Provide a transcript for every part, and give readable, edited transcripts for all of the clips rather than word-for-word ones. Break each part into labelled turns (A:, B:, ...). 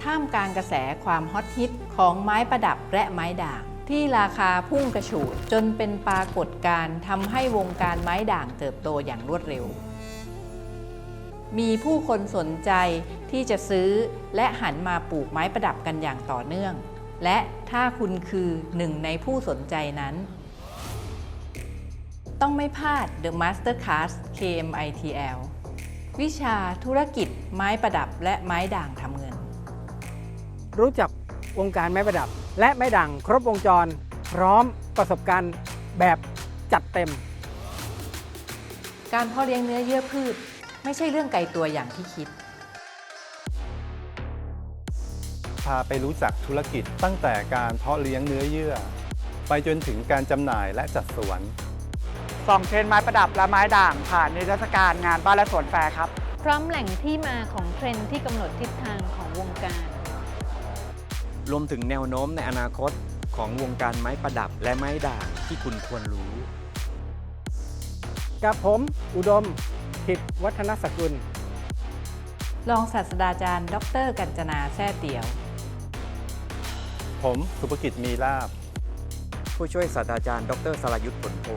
A: ท่ามกลางกระแสความฮอตฮิตของไม้ประดับและไม้ด่างที่ราคาพุ่งกระฉูดจนเป็นปรากฏการณ์ทำให้วงการไม้ด่างเติบโตอย่างรวดเร็วมีผู้คนสนใจที่จะซื้อและหันมาปลูกไม้ประดับกันอย่างต่อเนื่องและถ้าคุณคือหนึ่งในผู้สนใจนั้นต้องไม่พลาด The Master Class KMITL วิชาธุรกิจไม้ประดับและไม้ด่างทำเงิน
B: รู้จักวงการไม้ประดับและไม้ด่างครบวงจรพร้อมประสบการณ์แบบจัดเต็ม
A: การเพาะเลี้ยงเนื้อเยื่อพืชไม่ใช่เรื่องไกลตัวอย่างที่คิด
C: พาไปรู้จักธุรกิจตั้งแต่การเพาะเลี้ยงเนื้อเยื่อไปจนถึงการจำหน่ายและจัดสวน
D: ส่องเทรนด์ไม้ประดับและไม้ด่างผ่านนิทรรศการงานบ้านและสวนแฟร์ครับ
E: พร้อมแหล่งที่มาของเทรนด์ที่กำหนดทิศทางของวงการ
F: รวมถึงแนวโน้มในอนาคตของวงการไม้ประดับและไม้ด่างที่คุณควรรู้
B: กับผมอุดมถิตวัฒนสกุล
A: รองศาสตราจารย์ดร.กัญจนาแซ่เตี๋ยว
C: ผมสุภกิจมีลาภ
F: ผู้ช่วยศาสตราจารย์ดร.สรายุทธผลโพ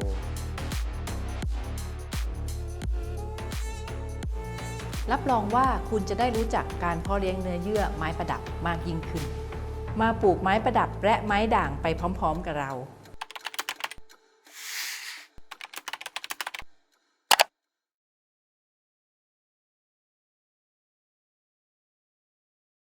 A: รับรองว่าคุณจะได้รู้จักการเพาะเลี้ยงเนื้อเยื่อไม้ประดับมากยิ่งขึ้นมาปลูกไม้ประดับและไม้ด่างไปพร้อมๆกับเรา